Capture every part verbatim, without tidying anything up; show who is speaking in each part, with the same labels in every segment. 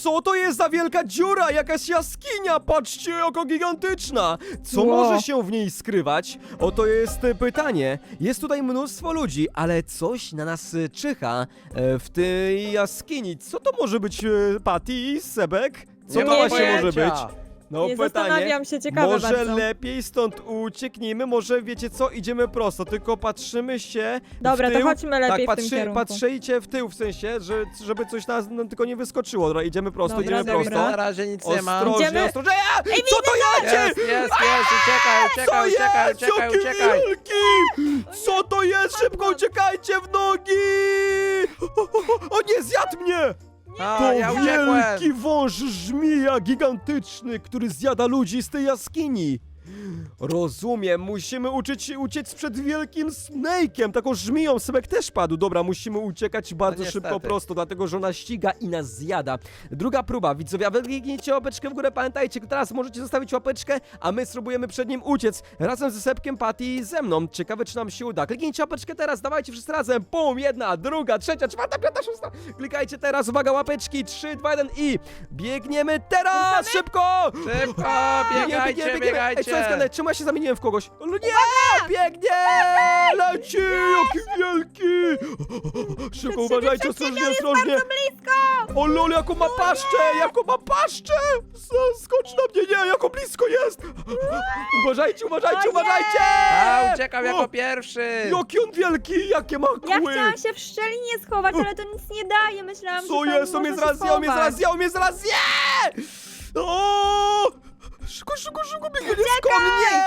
Speaker 1: co to jest za wielka dziura? Jakaś jaskinia, patrzcie, jaka gigantyczna. Co
Speaker 2: Wow.
Speaker 1: może się w niej skrywać? Oto jest e, pytanie. Jest tutaj mnóstwo ludzi, ale coś na nas e, czyha e, w tej jaskini. Co to może być, e, Patty, Sebek? Co
Speaker 3: Nie
Speaker 1: to
Speaker 3: mam
Speaker 1: właśnie może być?
Speaker 3: pojęcia.
Speaker 1: No
Speaker 2: Nie
Speaker 1: pytanie.
Speaker 2: zastanawiam się, ciekawe
Speaker 1: Może
Speaker 2: bardzo.
Speaker 1: lepiej stąd ucieknijmy, może wiecie co, idziemy prosto, tylko patrzymy się
Speaker 2: Dobra,
Speaker 1: w
Speaker 2: to
Speaker 1: tył.
Speaker 2: chodźmy lepiej
Speaker 1: tak,
Speaker 2: w tym
Speaker 1: patrzy,
Speaker 2: kierunku.
Speaker 1: patrzyjcie w tył, w sensie, że, żeby coś nas no, tylko nie wyskoczyło. Dobra, idziemy prosto,
Speaker 2: Dobra,
Speaker 1: idziemy
Speaker 3: Nic nie
Speaker 1: prosto.
Speaker 3: widzę, na razie nic nie ma.
Speaker 1: Ostrożnie,
Speaker 2: Idziemy.
Speaker 1: ostrożnie. A, co to jedzie?
Speaker 3: Jest, jest, jest, uciekaj,
Speaker 1: Co
Speaker 3: uciekaj, uciekaj,
Speaker 1: jest?
Speaker 3: uciekaj,
Speaker 1: Jaki
Speaker 3: uciekaj.
Speaker 1: wielki! Co to jest? Szybko uciekajcie w nogi! O, o, o nie, zjadł mnie!
Speaker 3: A,
Speaker 1: To
Speaker 3: ja uciekłem.
Speaker 1: wielki wąż żmija gigantyczny, który zjada ludzi z tej jaskini. Rozumiem, musimy uczyć się uciec przed wielkim Snake'iem, taką żmiją. Sebek też padł. Dobra, musimy uciekać bardzo
Speaker 3: No
Speaker 1: szybko,
Speaker 3: niestety.
Speaker 1: prosto, dlatego że ona ściga i nas zjada. Druga próba, widzowie, a wy kliknijcie łapeczkę w górę, pamiętajcie, teraz możecie zostawić łapeczkę, a my spróbujemy przed nim uciec. Razem ze Sebkiem, Patty i ze mną. Ciekawe, czy nam się uda. Kliknijcie łapeczkę teraz, dawajcie wszyscy razem. Pum, jedna, druga, trzecia, czwarta, piąta, szósta. Klikajcie teraz, uwaga, łapeczki, trzy, dwa, jeden i biegniemy teraz, szybko!
Speaker 3: Szybko,
Speaker 1: Biegniemy,
Speaker 3: biegajcie,
Speaker 1: biegniemy, biegniemy. Ej, co jest
Speaker 3: biegajcie.
Speaker 1: grane? Czemu ja się zamieniłem w kogoś? O, no nie! Biegnie! Leci! Jaki wielki! Szybko, uważajcie, ostrożnie, ostrożnie! O lol, jaką ma paszczę! Jaką ma paszczę! S- Skocz na mnie, nie! Jako blisko jest! Uważajcie, uważajcie, uważajcie!
Speaker 3: A, uciekam
Speaker 1: O,
Speaker 3: jako pierwszy.
Speaker 1: Jaki on wielki! Jakie ma
Speaker 2: Ja
Speaker 1: kły!
Speaker 2: chciałam się w szczelinie schować, ale to nic nie daje. Myślałam,
Speaker 1: Co
Speaker 2: że tam
Speaker 1: jest? On mnie
Speaker 2: można
Speaker 1: zaraz
Speaker 2: się
Speaker 1: zje, on mnie
Speaker 2: schować.
Speaker 1: zaraz zje, on mnie zaraz zje! O! Szybko, szybko, szybko, biegnie blisko mnie!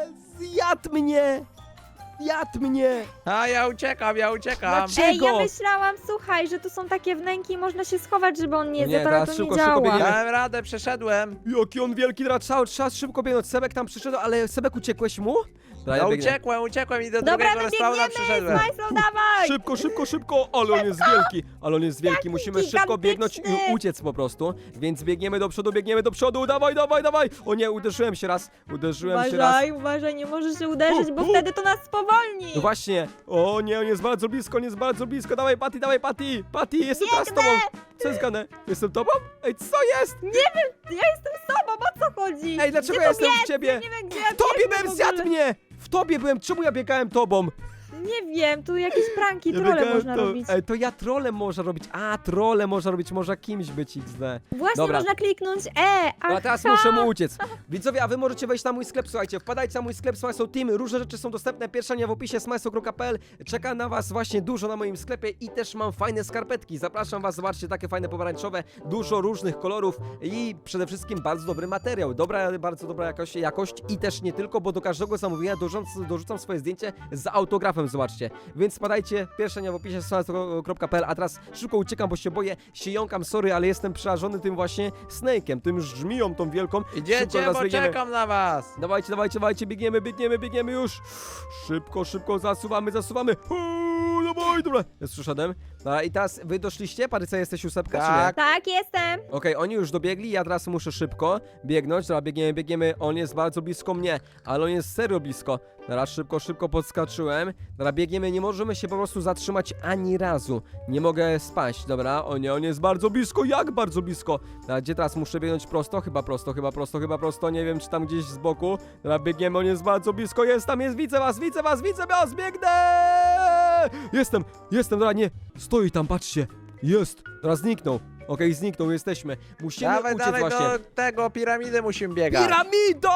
Speaker 1: Zjadł mnie! Zjadł mnie!
Speaker 3: A, ja uciekam, ja uciekam.
Speaker 1: Dlaczego?
Speaker 2: Ej, ja myślałam, słuchaj, że tu są takie wnęki i można się schować, żeby on nie
Speaker 1: Nie,
Speaker 2: zjadł, ale
Speaker 1: teraz
Speaker 2: to
Speaker 1: szybko,
Speaker 2: nie
Speaker 1: szybko
Speaker 2: działa.
Speaker 1: biegniemy.
Speaker 3: Dałem radę, przeszedłem.
Speaker 1: Jaki on wielki, teraz cały czas szybko biegnąć. Sebek tam przyszedł, ale Sebek, uciekłeś mu? Dobra,
Speaker 3: No
Speaker 1: ja biegnę.
Speaker 3: uciekłem, uciekłem i do
Speaker 2: Dobra,
Speaker 3: drugiego
Speaker 2: my
Speaker 3: respawna
Speaker 2: biegniemy,
Speaker 3: przyszedłem.
Speaker 2: Smajslow, dawaj!
Speaker 1: Szybko, szybko, szybko, ale on jest wielki, ale on jest wielki, musimy szybko biegnąć i
Speaker 2: gigantyczny.
Speaker 1: uciec po prostu, więc biegniemy do przodu, biegniemy do przodu, dawaj, dawaj, dawaj, o nie, uderzyłem się raz, uderzyłem się raz.
Speaker 2: Uważaj, uważaj, nie możesz się uderzyć, bo
Speaker 1: U, u.
Speaker 2: wtedy to nas spowolni.
Speaker 1: No właśnie, o nie, on jest bardzo blisko, on jest bardzo blisko, dawaj Patty, dawaj Patty, Patty, jestem teraz z tobą, co jest grane? Jestem tobą? Ej, co jest?
Speaker 2: Nie wiem, ja jestem sobą, o co chodzi?
Speaker 1: Ej, dlaczego
Speaker 2: Gdzie
Speaker 1: ja
Speaker 2: to
Speaker 1: jestem w
Speaker 2: biec?
Speaker 1: ciebie?
Speaker 2: Ja nie wiem, gdzie ja
Speaker 1: W tobie
Speaker 2: biegnę
Speaker 1: byłem,
Speaker 2: w ogóle.
Speaker 1: zjadł mnie! W tobie byłem, czemu ja biegałem tobą?
Speaker 2: Nie wiem, tu jakieś pranki,
Speaker 1: Ja
Speaker 2: trole
Speaker 1: biegałem
Speaker 2: można
Speaker 1: to,
Speaker 2: robić.
Speaker 1: Ej, to ja trolem można robić, a trole można robić, może kimś być X D.
Speaker 2: Właśnie
Speaker 1: Dobra.
Speaker 2: można kliknąć E,
Speaker 1: No a
Speaker 2: a
Speaker 1: teraz muszę mu uciec. Widzowie, a wy możecie wejść na mój sklep, słuchajcie, wpadajcie na mój sklep Smajslow Team, różne rzeczy są dostępne, pierwsza linia w opisie smajslow kropka p l, czeka na was właśnie dużo na moim sklepie i też mam fajne skarpetki, zapraszam was, zobaczcie, takie fajne pomarańczowe, dużo różnych kolorów i przede wszystkim bardzo dobry materiał, dobra, bardzo dobra jakość, jakość i też nie tylko, bo do każdego zamówienia dorzucam, dorzucam swoje zdjęcie z autografem, zobaczcie, więc spadajcie, pierwsza linia w opisie smajslow kropka p l, a teraz szybko uciekam, bo się boję, się jąkam, sorry, ale jestem przerażony tym właśnie Snake'em, tym żmiją tą wielką. Szybko
Speaker 3: Idziecie,
Speaker 1: teraz
Speaker 3: bo
Speaker 1: biegniemy.
Speaker 3: czekam na was.
Speaker 1: Dawajcie, dawajcie, dawajcie, biegniemy, biegniemy, biegniemy już. Szybko, szybko, zasuwamy, zasuwamy. Uuu, dawaj, dobra. Jest przyszedłem. Dobra, i teraz wy doszliście? Paryca, jesteś ósemka, czy nie?
Speaker 3: Tak.
Speaker 2: Tak, jestem.
Speaker 1: Okej, oni już dobiegli, ja teraz muszę szybko biegnąć. Dobra, biegniemy, biegniemy. On jest bardzo blisko mnie, ale on jest serio blisko. Dobra, szybko, szybko podskoczyłem. Dobra, biegniemy, nie możemy się po prostu zatrzymać ani razu. Nie mogę spaść, dobra? O nie, on jest bardzo blisko, jak bardzo blisko? Dobra, gdzie teraz muszę biegnąć prosto? Chyba prosto, chyba prosto, chyba prosto. Nie wiem, czy tam gdzieś z boku. Dobra, biegniemy, on jest bardzo blisko, jest tam, jest, widzę was, widzę was, widzę was, biegnę! Jestem, jestem, dobra, nie. Stoi tam, patrzcie. Jest, teraz zniknął. Okej, zniknął, jesteśmy. Musimy
Speaker 3: Dawaj,
Speaker 1: uciec
Speaker 3: dawaj
Speaker 1: właśnie.
Speaker 3: do tego, piramidy musimy biegać.
Speaker 1: Piramido!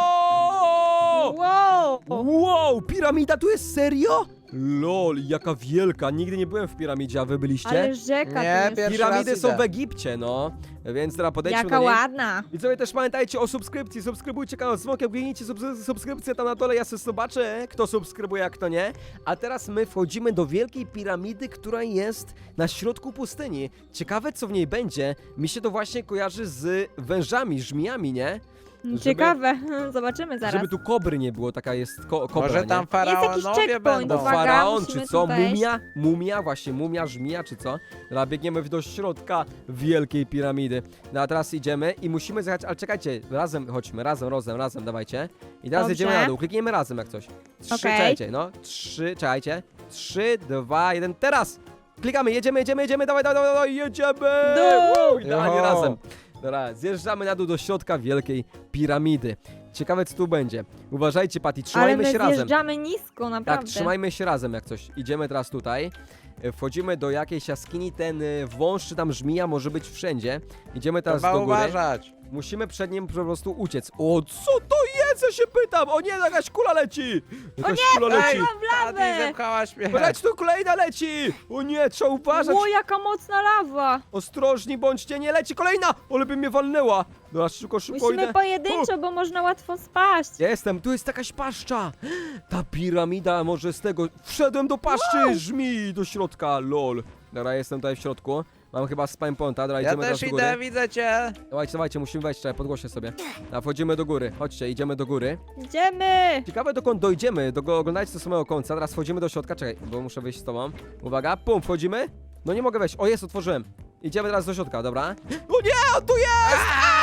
Speaker 2: Wow.
Speaker 1: Wow, piramida tu jest serio? Lol, jaka wielka. Nigdy nie byłem w piramidzie, a wy byliście?
Speaker 2: Ale rzeka
Speaker 3: Nie,
Speaker 2: tu jest.
Speaker 3: pierwszy
Speaker 1: Piramidy
Speaker 3: raz
Speaker 1: są
Speaker 3: idę.
Speaker 1: w Egipcie, no. Więc teraz podejdźmy
Speaker 2: Jaka
Speaker 1: do niej.
Speaker 2: ładna.
Speaker 1: Widzowie, też pamiętajcie o subskrypcji. Subskrybujcie kanał Smokiem, kliknijcie subs- subskrypcję tam na dole. Ja sobie zobaczę, kto subskrybuje, a kto nie. A teraz my wchodzimy do wielkiej piramidy, która jest na środku pustyni. Ciekawe, co w niej będzie. Mi się to właśnie kojarzy z wężami, żmijami, nie? Żeby-
Speaker 2: Ciekawe, zobaczymy zaraz.
Speaker 1: Żeby tu kobry nie było, taka jest ko kobra,
Speaker 3: Może
Speaker 1: nie?
Speaker 3: tam
Speaker 2: jakiś
Speaker 3: faraonowie
Speaker 2: checkpoint,
Speaker 3: będą.
Speaker 1: No
Speaker 2: uwaga.
Speaker 1: faraon,
Speaker 2: musimy
Speaker 1: czy co?
Speaker 2: tu wejść.
Speaker 1: Mumia? Mumia, właśnie, mumia, żmija, czy co? Dobra, biegniemy do środka wielkiej piramidy. No a teraz idziemy i musimy zjechać, ale czekajcie, razem chodźmy, razem, razem, razem, dawajcie. I teraz
Speaker 2: Dobrze.
Speaker 1: jedziemy na dół, klikniemy razem jak coś. Trzy,
Speaker 2: Okej.
Speaker 1: czekajcie, no, trzy, czekajcie. Trzy, dwa, jeden, teraz! klikamy, jedziemy, jedziemy, jedziemy, dawaj, dawaj, dawaj, jedziemy!
Speaker 2: Dół!
Speaker 1: Uuu, idealnie
Speaker 3: Jo.
Speaker 1: razem. Dobra, zjeżdżamy na dół do środka wielkiej piramidy. Ciekawe, co tu będzie. Uważajcie, Patty,
Speaker 2: Ale
Speaker 1: trzymajmy
Speaker 2: my
Speaker 1: się razem.
Speaker 2: zjeżdżamy nisko,
Speaker 1: Tak,
Speaker 2: naprawdę.
Speaker 1: trzymajmy się razem jak coś. Idziemy teraz tutaj. E, Wchodzimy do jakiejś jaskini. Ten e, wąż czy tam żmija może być wszędzie. Idziemy teraz
Speaker 3: Trzeba
Speaker 1: do góry.
Speaker 3: uważać.
Speaker 1: Musimy przed nim po prostu uciec. O, co to jest? Ja się pytam. O nie, jakaś kula leci. Jakaś kula leci.
Speaker 3: Ej,
Speaker 2: w lawę.
Speaker 3: Patty, zepchałaś mnie.
Speaker 1: Leć, tu kolejna leci. O nie, trzeba uważać.
Speaker 2: O, jaka mocna lawa!
Speaker 1: Ostrożni bądźcie, nie leci kolejna. Ale by mnie walnęła. Dobra, szybko, szybko
Speaker 2: Musimy
Speaker 1: idę.
Speaker 2: pojedynczo, bo można łatwo spaść.
Speaker 1: Ja jestem, tu jest jakaś paszcza. Ta piramida może z tego. Wszedłem do paszczy żmi do środka, lol. Dobra, jestem tutaj w środku. Mam chyba spam ponta, dobra,
Speaker 3: Ja
Speaker 1: idziemy teraz
Speaker 3: też
Speaker 1: do góry.
Speaker 3: idę, widzę cię.
Speaker 1: Dawajcie, dawajcie, musimy wejść, czekaj, podgłoszę sobie. A wchodzimy do góry, chodźcie, idziemy do góry.
Speaker 2: Idziemy!
Speaker 1: Ciekawe dokąd dojdziemy, do, oglądajcie do samego końca. Teraz wchodzimy do środka, czekaj, bo muszę wyjść z tobą. Uwaga, pum, wchodzimy. No nie mogę wejść, o jest, otworzyłem. Idziemy teraz do środka, dobra. O nie, on tu jest!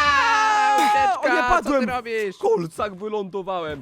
Speaker 3: Aaa,
Speaker 1: O nie,
Speaker 3: ucieczka, co
Speaker 1: padłem!
Speaker 3: ty robisz?
Speaker 1: W kolcach wylądowałem.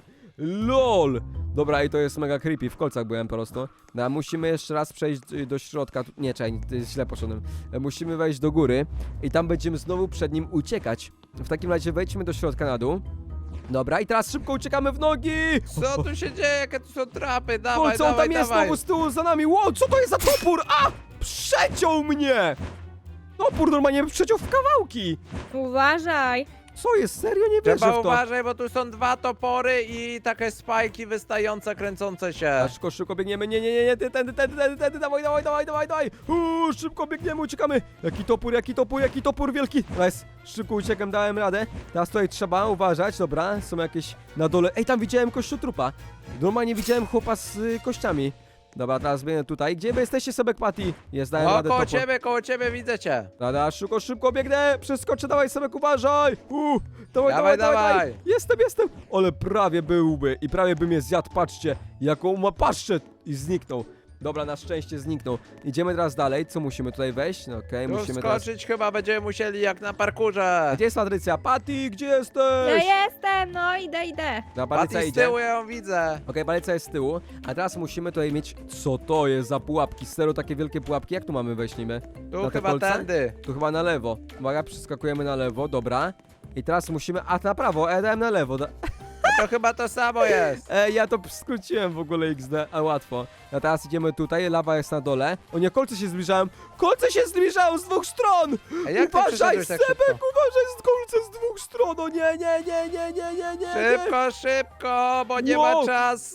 Speaker 1: LOL! Dobra, i to jest mega creepy, w kolcach byłem po prostu. No, a musimy jeszcze raz przejść y, do środka. Tu- Nie, czekaj, to jest źle poszedłem. E, Musimy wejść do góry i tam będziemy znowu przed nim uciekać. W takim razie wejdźmy do środka na dół. Dobra, i teraz szybko uciekamy w nogi!
Speaker 3: Co tu się dzieje? Jakie tu są trapy? Dawaj,
Speaker 1: Kolce, on
Speaker 3: dawaj,
Speaker 1: tam jest
Speaker 3: dawaj.
Speaker 1: znowu z tyłu za nami. Wow, co to jest za topór? A! Przeciął mnie! Topór normalnie przeciął w kawałki!
Speaker 2: Uważaj!
Speaker 1: Co jest? Serio? Nie wierzę
Speaker 3: Trzeba
Speaker 1: w to.
Speaker 3: uważaj, bo tu są dwa topory i takie spajki wystające, kręcące się.
Speaker 1: A szybko, szybko biegniemy, nie, nie, nie, nie, tędy, tędy, tędy, tędy, tędy, dawaj, dawaj, dawaj, dawaj, dawaj, Uuu, szybko biegniemy, uciekamy, jaki topór, jaki topór, jaki topór wielki, nice, szybko uciekam, dałem radę, teraz tutaj trzeba uważać, dobra, są jakieś na dole, ej, tam widziałem kościotrupa, normalnie widziałem chłopa z y, kościami, dobra, teraz biegnę tutaj, gdzie wy jesteście, Sebek Patty, jest, dałem
Speaker 3: O,
Speaker 1: radę,
Speaker 3: koło
Speaker 1: topór,
Speaker 3: ciebie, koło ciebie, widzę cię.
Speaker 1: dobra, szybko, szybko biegnę, przeskoczę, dawaj, Sebek, uważaj, Uuu, dawaj,
Speaker 3: Dawaj,
Speaker 1: dawaj, dawaj,
Speaker 3: dawaj.
Speaker 1: jestem, jestem, ale prawie byłby i prawie by mnie zjadł, patrzcie, jaką ma paszczę i zniknął. Dobra, na szczęście zniknął. Idziemy teraz dalej, co musimy tutaj wejść? No okej,
Speaker 3: Tu
Speaker 1: musimy teraz...
Speaker 3: skoczyć chyba będziemy musieli jak na parkurze.
Speaker 1: Gdzie jest Patrycja? Patty, gdzie
Speaker 2: Ja
Speaker 1: jesteś?
Speaker 2: jestem, no idę, idę.
Speaker 1: Dobra, Patrycja
Speaker 3: Patty z
Speaker 1: idzie.
Speaker 3: tyłu ja ją widzę.
Speaker 1: Okej, Patrycja jest z tyłu, a teraz musimy tutaj mieć... Co to jest za pułapki? Serio, takie wielkie pułapki? Jak tu mamy wejść niby?
Speaker 3: Tu
Speaker 1: Na te
Speaker 3: chyba
Speaker 1: kolce?
Speaker 3: tędy.
Speaker 1: Tu chyba na lewo. Uwaga, przeskakujemy na lewo, dobra. I teraz musimy... A, na prawo, e, dałem na lewo. Da...
Speaker 3: To chyba to samo jest.
Speaker 1: E, ja to skróciłem w ogóle X D, a łatwo. A teraz idziemy tutaj, lawa jest na dole. O nie, kolce się zbliżają. Kolce się zbliżają z dwóch stron!
Speaker 3: A jak ty
Speaker 1: Uważaj,
Speaker 3: przeszedłeś tak
Speaker 1: Sebek,
Speaker 3: szybko?
Speaker 1: uważaj, z kolce z dwóch stron! O nie, nie, nie, nie, nie, nie, nie, nie.
Speaker 3: Szybko, szybko, bo nie
Speaker 1: Wow.
Speaker 3: ma czasu.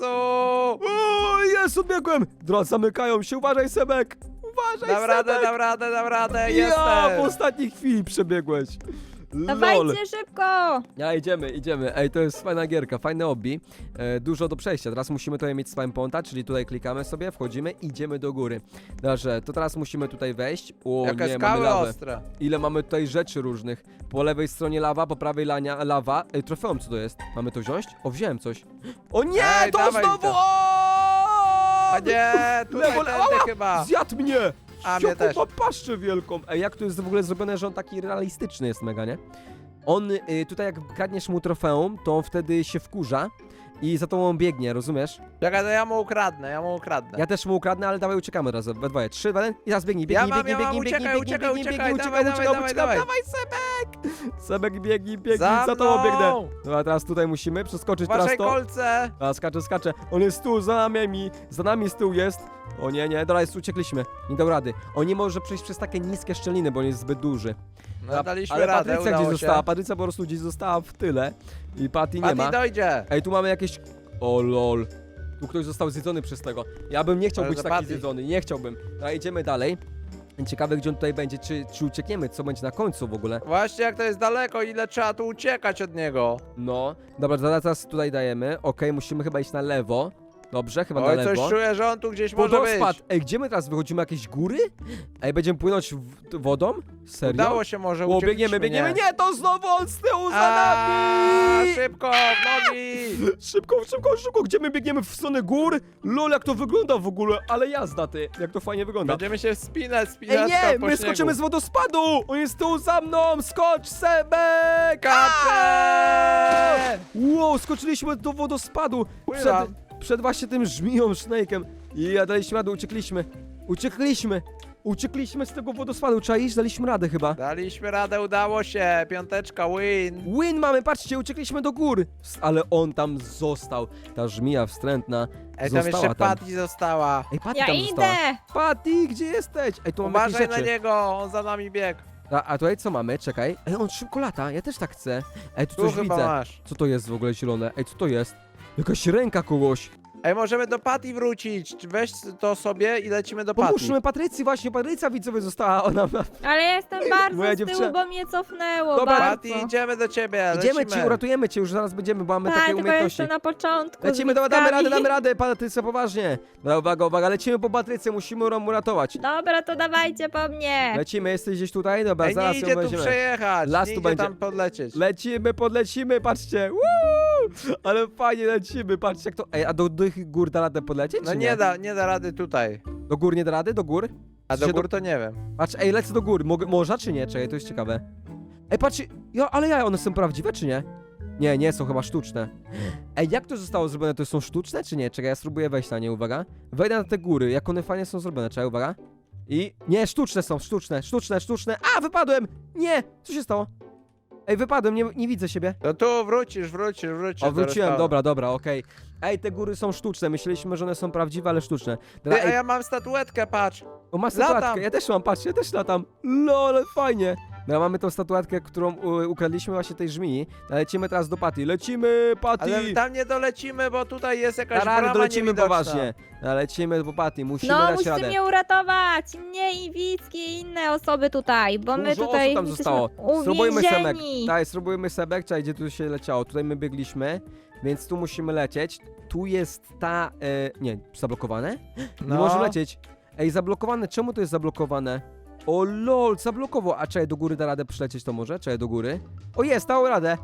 Speaker 1: O, jest, odbiegłem! Drodzy, zamykają się, uważaj, Sebek! Uważaj,
Speaker 3: Dam radę,
Speaker 1: Sebek!
Speaker 3: dam radę, dam radę,
Speaker 1: Ja, w
Speaker 3: jestem.
Speaker 1: ostatniej chwili przebiegłeś. Lol.
Speaker 2: Dawajcie szybko!
Speaker 1: Ja, idziemy, idziemy. Ej, to jest fajna gierka, fajne obbi. E, dużo do przejścia. Teraz musimy tutaj mieć spam ponta, czyli tutaj klikamy sobie, wchodzimy, idziemy do góry. Dobrze, to teraz musimy tutaj wejść. O
Speaker 3: Jakie
Speaker 1: nie, mamy
Speaker 3: skały
Speaker 1: lawę.
Speaker 3: ostre.
Speaker 1: Ile mamy tutaj rzeczy różnych. Po lewej stronie lawa, po prawej lania, lawa. Ej, trofeum, co to jest? Mamy to wziąć? O, wziąłem coś. O nie,
Speaker 3: Ej,
Speaker 1: to
Speaker 3: dawaj
Speaker 1: znowu!
Speaker 3: to.
Speaker 1: O!
Speaker 3: A nie, tutaj
Speaker 1: Lewo,
Speaker 3: tędy
Speaker 1: ała!
Speaker 3: chyba.
Speaker 1: Zjadł mnie!
Speaker 3: A, mnie
Speaker 1: Jaką
Speaker 3: też.
Speaker 1: ma paszczę wielką. Ej, jak to jest w ogóle zrobione, że on taki realistyczny jest mega, nie? On, y, tutaj jak kradniesz mu trofeum, to on wtedy się wkurza i za tobą biegnie, rozumiesz?
Speaker 3: Czekaj, to ja mu ukradnę, ja mu ukradnę.
Speaker 1: Ja też mu ukradnę, ale dawaj uciekamy razem, we dwoje. Trzy, jeden i teraz biegnij,
Speaker 3: Ja
Speaker 1: biegnij,
Speaker 3: mam,
Speaker 1: biegnij,
Speaker 3: ja mam,
Speaker 1: biegnij,
Speaker 3: uciekaj,
Speaker 1: biegnij,
Speaker 3: uciekaj,
Speaker 1: biegnij,
Speaker 3: uciekaj,
Speaker 1: biegnij,
Speaker 3: dawaj,
Speaker 1: uciekam,
Speaker 3: dawaj,
Speaker 1: uciekam,
Speaker 3: dawaj,
Speaker 1: uciekam,
Speaker 3: dawaj.
Speaker 1: Sebek! Sebek, biegnij, biegnij,
Speaker 3: Za
Speaker 1: za tobą
Speaker 3: mną!
Speaker 1: biegnę. Dobra, teraz tutaj musimy przeskoczyć teraz
Speaker 3: Waszej
Speaker 1: to.
Speaker 3: kolce.
Speaker 1: A, skacze, skacze. On jest tu, za nami, za nami z tyłu jest. O nie, nie, dobra, jest, uciekliśmy. Nie dał rady. On nie może przejść przez takie niskie szczeliny, bo on jest zbyt duży.
Speaker 3: No daliśmy
Speaker 1: Ale
Speaker 3: radę,
Speaker 1: Patrycja gdzieś
Speaker 3: udało
Speaker 1: została,
Speaker 3: się.
Speaker 1: Patrycja po prostu gdzieś została w tyle. I Patty nie
Speaker 3: Patty
Speaker 1: ma.
Speaker 3: dojdzie.
Speaker 1: Ej, tu mamy jakieś... O lol. Tu ktoś został zjedzony przez tego. Ja bym nie chciał
Speaker 3: Ale
Speaker 1: być
Speaker 3: to
Speaker 1: taki
Speaker 3: Patty.
Speaker 1: zjedzony, nie chciałbym. Dobra, idziemy dalej. Ciekawe, gdzie on tutaj będzie, czy, czy uciekniemy, co będzie na końcu w ogóle.
Speaker 3: Właśnie jak to jest daleko, ile trzeba tu uciekać od niego.
Speaker 1: No, dobra, zaraz teraz tutaj dajemy. Okej, musimy chyba iść na lewo. Dobrze, chyba na
Speaker 3: Oj,
Speaker 1: lewo.
Speaker 3: coś czuję, że on tu gdzieś może
Speaker 1: Wodospad!
Speaker 3: być.
Speaker 1: Ej, gdzie my teraz wychodzimy? Jakieś góry? Ej, będziemy płynąć w wodą? Serio?
Speaker 3: Udało się może,
Speaker 1: O,
Speaker 3: uciekliśmy,
Speaker 1: biegniemy, biegniemy.
Speaker 3: nie?
Speaker 1: Nie, to znowu on z tyłu za
Speaker 3: A,
Speaker 1: nami!
Speaker 3: szybko, w nogi!
Speaker 1: Szybko, szybko, szybko, gdzie my biegniemy? W stronę gór? Lol, jak to wygląda w ogóle, ale jazda ty, jak to fajnie wygląda.
Speaker 3: Będziemy się wspinać, wspinać
Speaker 1: Ej, nie,
Speaker 3: po
Speaker 1: my
Speaker 3: śniegu.
Speaker 1: skoczymy z wodospadu! On jest tu za mną, skocz, Sebek!
Speaker 3: Kacze!
Speaker 1: Wow, skoczyliśmy do wodospadu. Przed,
Speaker 3: Pływam.
Speaker 1: przed właśnie tym żmiją, Snake'em. I ja daliśmy na dół, uciekliśmy. Uciekliśmy! Uciekliśmy z tego wodospadu, czaisz? Daliśmy radę chyba.
Speaker 3: Daliśmy radę, udało się. Piąteczka, win.
Speaker 1: Win mamy, patrzcie, uciekliśmy do gór. S- Ale on tam został. Ta żmija wstrętna
Speaker 3: Ej, tam
Speaker 1: została
Speaker 3: jeszcze
Speaker 1: tam.
Speaker 3: Patty została.
Speaker 1: Ej, Patty
Speaker 2: Ja
Speaker 1: tam została.
Speaker 2: idę!
Speaker 1: Patty, gdzie jesteś? Ej, tu mamy jakieś
Speaker 3: Uważaj na
Speaker 1: rzeczy.
Speaker 3: niego, on za nami biegł.
Speaker 1: A, a tutaj co mamy? Czekaj. Ej, on szybko lata, ja też tak chcę. Ej, tu
Speaker 3: Tu
Speaker 1: coś
Speaker 3: chyba
Speaker 1: widzę.
Speaker 3: masz.
Speaker 1: Co to jest w ogóle zielone? Ej, co to jest? Jakaś ręka kogoś.
Speaker 3: Ej, możemy do Patty wrócić. Weź to sobie i lecimy do Patty.
Speaker 1: Pomóżmy Patrycji, właśnie Patrycja widzowie została. Ona ma...
Speaker 2: Ale ja jestem bardzo
Speaker 1: Moja
Speaker 2: z tyłu,
Speaker 1: dziewczyna.
Speaker 2: bo mnie cofnęło
Speaker 1: Dobra,
Speaker 3: Patty,
Speaker 2: bardzo.
Speaker 3: idziemy do ciebie,
Speaker 1: Idziemy
Speaker 3: lecimy.
Speaker 1: ci, uratujemy cię, już zaraz będziemy, bo mamy
Speaker 2: Tak,
Speaker 1: takie
Speaker 2: tylko
Speaker 1: umiejętności.
Speaker 2: jeszcze na początku.
Speaker 1: Lecimy,
Speaker 2: z
Speaker 1: dobra, damy
Speaker 2: widzkami.
Speaker 1: radę, damy radę, Patrycja, poważnie. Dobra, uwaga, uwaga, lecimy po Patrycję, musimy ją uratować.
Speaker 2: Dobra, to dawajcie po mnie.
Speaker 1: Lecimy, jesteś gdzieś tutaj? Dobra,
Speaker 3: Ej,
Speaker 1: zaraz
Speaker 3: nie
Speaker 1: ją
Speaker 3: idzie tu
Speaker 1: weźmiemy.
Speaker 3: przejechać,
Speaker 1: Las
Speaker 3: nie
Speaker 1: tu
Speaker 3: idzie
Speaker 1: będzie.
Speaker 3: tam podlecieć.
Speaker 1: Lecimy, podlecimy, patrzcie. Woo! Ale fajnie lecimy, patrzcie jak to... Ej, a do, do tych gór da radę podlecieć,
Speaker 3: No
Speaker 1: czy
Speaker 3: nie da, nie da rady tutaj.
Speaker 1: Do gór nie da rady? Do gór?
Speaker 3: A
Speaker 1: W
Speaker 3: do
Speaker 1: sensie
Speaker 3: gór to nie wiem.
Speaker 1: Patrz, ej, lecę do góry. Mogę, można czy nie? Czekaj, to jest ciekawe. Ej, patrz, ja, ale ja, one są prawdziwe czy nie? Nie, nie, są chyba sztuczne. Ej, jak to zostało zrobione? To są sztuczne czy nie? Czekaj, ja spróbuję wejść na nie, uwaga. Wejdę na te góry, jak one fajnie są zrobione, czekaj, uwaga. I... Nie, sztuczne są, sztuczne, sztuczne, sztuczne. A, wypadłem! Nie! Co się stało? Ej, wypadłem, nie, nie widzę siebie.
Speaker 3: To tu wrócisz, wrócisz, wrócisz.
Speaker 1: O,
Speaker 3: do
Speaker 1: wróciłem,
Speaker 3: restauracji.
Speaker 1: dobra, dobra, okej. Ej, te góry są sztuczne, myśleliśmy, że one są prawdziwe, ale sztuczne. Dobra,
Speaker 3: Ty, a
Speaker 1: ej,
Speaker 3: ja mam statuetkę, patrz.
Speaker 1: o, masz
Speaker 3: latam.
Speaker 1: statuetkę, ja też mam, patrz, ja też latam. Lol, fajnie. No, mamy tą statuetkę, którą u, ukradliśmy właśnie tej żmii. Lecimy teraz do Patty. Lecimy, Patty!
Speaker 3: Ale tam nie dolecimy, bo tutaj jest jakaś
Speaker 1: Tarary,
Speaker 3: brama
Speaker 1: dolecimy
Speaker 3: niewidoczna.
Speaker 1: poważnie. No, lecimy po Patty, musimy
Speaker 2: No,
Speaker 1: dać
Speaker 2: musicie
Speaker 1: radę.
Speaker 2: mnie uratować. Mnie i Wicki i inne osoby tutaj, bo my
Speaker 1: Dużo
Speaker 2: tutaj
Speaker 1: osób tam
Speaker 2: jesteśmy
Speaker 1: zostało. Spróbujmy Sebek.
Speaker 2: uwięzieni.
Speaker 1: Daj, spróbujmy Sebek, czekaj, gdzie tu się leciało. Tutaj my biegliśmy, więc tu musimy lecieć. Tu jest ta... E, nie, zablokowane? Nie
Speaker 3: No.
Speaker 1: możemy lecieć. Ej, zablokowane, czemu to jest zablokowane? O lol, zablokował. A czekaj, do góry da radę przylecieć to może? Czekaj, do góry. O jest, dało radę.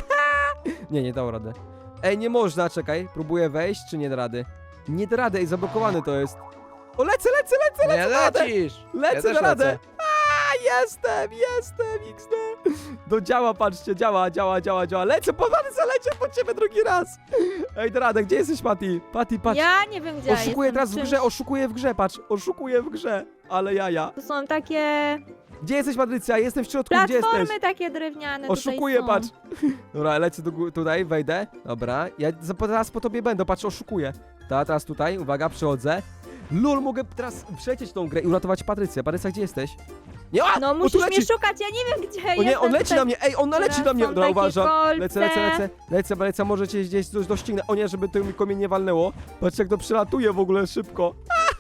Speaker 1: nie, nie dało radę. Ej, nie można, czekaj. Próbuję wejść, czy nie da rady? Nie da rady, ej, zablokowane to jest. O, lecę, lecę, lecę,
Speaker 3: Nie
Speaker 1: lecę, da radę.
Speaker 3: lecisz.
Speaker 1: Lecę,
Speaker 3: ja też
Speaker 1: da radę.
Speaker 3: lecę.
Speaker 1: A, jestem, jestem, X D. To działa, patrzcie, działa, działa, działa, działa. Lecę, po lecę, lecę po ciebie drugi raz. Ej, da radę, gdzie jesteś, Patty? Patty, patrz.
Speaker 2: Ja nie wiem gdzie ja
Speaker 1: Oszukuję
Speaker 2: jestem,
Speaker 1: teraz w
Speaker 2: czymś-
Speaker 1: grze, oszukuję w grze, patrz. Oszukuję w grze, ale jaja.
Speaker 2: Tu są takie
Speaker 1: Gdzie jesteś, Patrycja? Jestem w środku, gdzie jesteś?
Speaker 2: platformy takie drewniane
Speaker 1: Oszukuję,
Speaker 2: tutaj
Speaker 1: patrz.
Speaker 2: są.
Speaker 1: Dobra, lecę do, gó- tutaj, wejdę. Dobra, ja za- teraz po tobie będę, patrz, oszukuję. Ta, teraz tutaj, uwaga, przychodzę. Lol, mogę teraz przejść tą grę i uratować Patrycję. Patrycja, gdzie jesteś? Nie, a!
Speaker 2: No
Speaker 1: o, tu
Speaker 2: musisz
Speaker 1: leci.
Speaker 2: mnie szukać, ja nie wiem gdzie
Speaker 1: O nie,
Speaker 2: jestem.
Speaker 1: on leci
Speaker 2: tutaj.
Speaker 1: na mnie, ej, on naleci
Speaker 2: Teraz
Speaker 1: na mnie.
Speaker 2: są
Speaker 1: Dobra,
Speaker 2: takie
Speaker 1: uważam.
Speaker 2: kolce.
Speaker 1: Lecę, lecę, lecę, lecę, lecę, może cię gdzieś coś doścignę. O nie, żeby to mi komień nie walnęło. Patrz jak to przelatuje w ogóle szybko.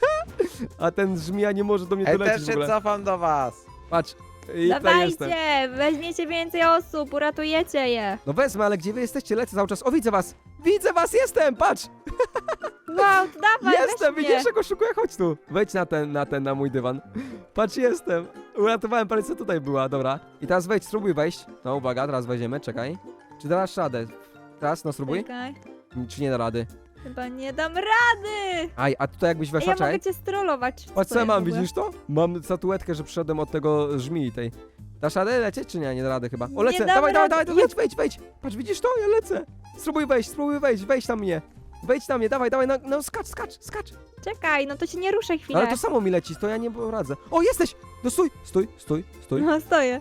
Speaker 1: A ten żmija nie może do mnie
Speaker 3: Ej,
Speaker 1: dolecieć
Speaker 3: też
Speaker 1: w
Speaker 3: się
Speaker 1: ogóle.
Speaker 3: cofam do was.
Speaker 1: Patrz. I tutaj jestem.
Speaker 2: Dawajcie, weźmiecie więcej osób, uratujecie je.
Speaker 1: No wezmę, ale gdzie wy jesteście? Lecę cały czas. O, widzę was! Widzę was, jestem! Patrz!
Speaker 2: Wow, to dawaj,
Speaker 1: Jestem,
Speaker 2: weź
Speaker 1: widzisz,
Speaker 2: mnie.
Speaker 1: jak oszukuję? Chodź tu. Wejdź na ten, na ten, na mój dywan. Patrz, jestem. Uratowałem parę, co tutaj była, dobra. I teraz wejdź, spróbuj wejść. No, uwaga, teraz weźmiemy, czekaj. Czy dasz radę? Teraz, no spróbuj.
Speaker 2: Czekaj,
Speaker 1: Czy nie da rady?
Speaker 2: chyba nie dam rady.
Speaker 1: Aj, a tutaj jakbyś
Speaker 2: Ej,
Speaker 1: weszła,
Speaker 2: ja
Speaker 1: czekaj.
Speaker 2: mogę cię strollować.
Speaker 1: Patrz, co
Speaker 2: to
Speaker 1: ja
Speaker 2: jest
Speaker 1: mam,
Speaker 2: w ogóle?
Speaker 1: widzisz to? Mam statuetkę, że przyszedłem od tego żmii tej. Dasz radę lecieć, czy nie? Nie da rady chyba. O,
Speaker 2: Nie
Speaker 1: lecę,
Speaker 2: dam
Speaker 1: dawaj, dawaj,
Speaker 2: rady.
Speaker 1: dawaj, wejdź, wejdź, wejdź. Patrz, widzisz to? Ja lecę. Spróbuj wejść, spróbuj wejść, wejdź na mnie. Wejdź na mnie, dawaj, dawaj, no, no skacz, skacz, skacz.
Speaker 2: Czekaj, no to się nie ruszaj chwilę.
Speaker 1: Ale to samo mi leci, to ja nie poradzę. O, jesteś! No stój, stój, stój, stój.
Speaker 2: No stoję.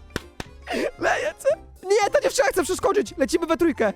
Speaker 1: Lecę! Nie, ta dziewczyna chce przeskoczyć! Lecimy we trójkę!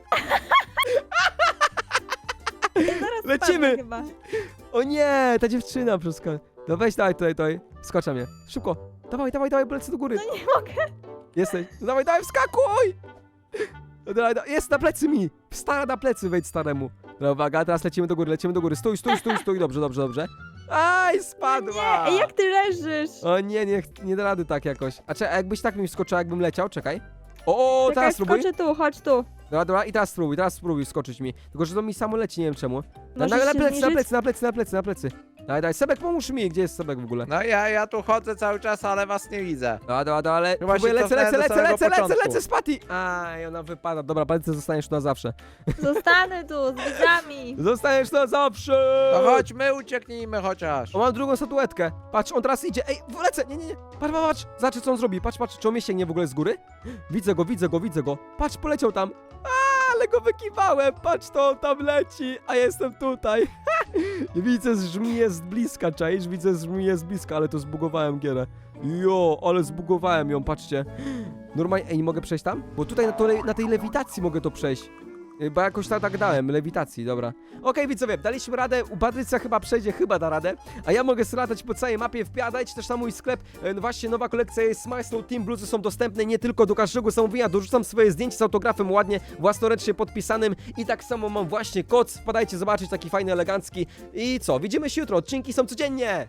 Speaker 2: Zaraz
Speaker 1: Lecimy.
Speaker 2: spadnę chyba.
Speaker 1: O nie, ta dziewczyna przeskoczy. No weź, dawaj, tutaj, tutaj. Skocz na mnie. Szybko. Dawaj, dawaj, dawaj, lecę do góry.
Speaker 2: No nie mogę.
Speaker 1: Jesteś. No dawaj, dawaj, wskakuj! No dawaj, dawaj. Jest na plecy mi! Stara na plecy, wejdź staremu. No uwaga, teraz lecimy do góry, lecimy do góry. Stój, stój, stój, stój. Dobrze, dobrze, dobrze. Aj, spadła!
Speaker 2: Ej, jak ty leżysz?
Speaker 1: O nie, nie, nie da rady tak jakoś. A, cze, a jakbyś tak mi wskoczyła, jakbym leciał, czekaj. O, o
Speaker 2: Czekaj,
Speaker 1: teraz spróbuj.
Speaker 2: skoczę tu, chodź tu.
Speaker 1: Dobra, dobra, i teraz spróbuj, teraz spróbuj skoczyć mi. Tylko, że to mi samo leci, nie wiem czemu. Na, na,
Speaker 2: Możesz
Speaker 1: na
Speaker 2: się
Speaker 1: plecy, na
Speaker 2: zniżyć?
Speaker 1: plecy, na plecy, na plecy, na plecy. Daj, daj, Sebek, pomóż mi. Gdzie jest Sebek w ogóle?
Speaker 3: No ja, ja tu chodzę cały czas, ale was nie widzę.
Speaker 1: Dobra, dobra, dobra, ale
Speaker 3: Chyba się
Speaker 1: próbuję, lecę,
Speaker 3: cofnąłem
Speaker 1: lecę,
Speaker 3: do
Speaker 1: lecę,
Speaker 3: samego
Speaker 1: lecę, lecę,
Speaker 3: początku.
Speaker 1: lecę z Patty. Aj, ona wypada. Dobra, Patty, zostaniesz tu na zawsze.
Speaker 2: Zostanę tu z widzami.
Speaker 1: Zostaniesz na zawsze!
Speaker 3: To chodź, my ucieknijmy chociaż.
Speaker 1: O, mam drugą statuetkę. Patrz, on teraz idzie. Ej, lecę, nie, nie, nie. Patrz, patrz, patrz. Zobacz, co on zrobi. Patrz, patrz, czy on mnie sięgnie w ogóle z góry? Widzę go, widzę go, widzę go. Patrz, poleciał tam. A, ale go wykiwałem. Patrz, to on tam leci, a jestem tutaj. Widzę żmiję z bliska, czaisz? Widzę żmiję z bliska, ale to zbugowałem gierę. Jo, ale zbugowałem ją, patrzcie. Normalnie, ej, nie mogę przejść tam? Bo tutaj na, to, na tej lewitacji mogę to przejść. Y, Bo jakoś tak, tak dałem, lewitacji, dobra. Okej, widzowie, daliśmy radę, u Patrycja chyba przejdzie, chyba da radę. A ja mogę latać po całej mapie, wpadajcie też na mój sklep. E, Właśnie nowa kolekcja jest Smile Snow Team, bluzy są dostępne nie tylko do każdego zamówienia. Dorzucam swoje zdjęcie z autografem ładnie, własnoręcznie podpisanym. I tak samo mam właśnie koc, wpadajcie zobaczyć, taki fajny, elegancki. I co, widzimy się jutro, odcinki są codziennie.